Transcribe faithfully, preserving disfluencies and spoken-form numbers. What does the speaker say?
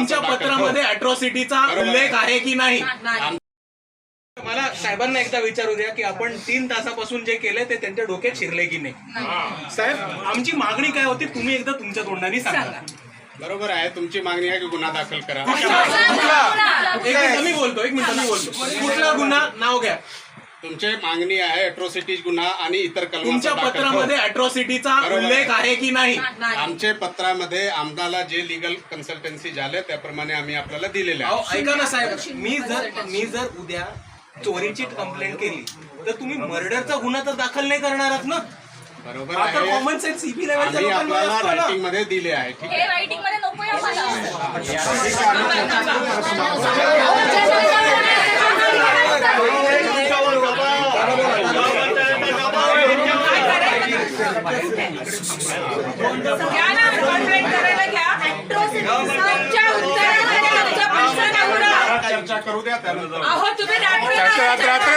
तुमच्या पत्रामध्ये अॅट्रॉसिटीचा उल्लेख आहे की नाही? मला साहेबांना एकदा विचारू द्या की आपण तीन तासापासून जे केलंय ते त्यांच्या डोक्यात शिरले की नाही. साहेब, आमची मागणी काय होती तुम्ही एकदा तुमच्या तोंडाने सांगा. बरोबर आहे, तुमची मागणी आहे की गुन्हा दाखल करा. एक मिनिट मी बोलतो एक मिनिट मी बोलतो कुठला गुन्हा नाव घ्या. तुमची मागणी आहे अॅट्रॉसिटीज गुन्हा आणि इतर कलम. तुमच्या पत्रामध्ये अॅट्रॉसिटीचा उल्लेख आहे की नाही? आमच्या पत्रामध्ये आम्हाला जे लिगल कन्सल्टन्सी झाले त्याप्रमाणे आम्ही आपल्याला दिलेले आहे. ऐका ना साहेब, मी जर मी जर उद्या चोरीची कंप्लेंट केली तर तुम्ही मर्डरचा गुन्हा तर दाखल नाही करणार आहात ना? बरोबर आता आहे, कॉमन सेन्स सीबी लेवलच्या आम्ही लोकांमध्ये आपल्याला असतो ना. रायटिंग मध्ये दिले आहे. ठीक आहे, रायटिंग मध्ये नको चर्चा करू द्या त्यानंतर. अहो तुम्ही रात्र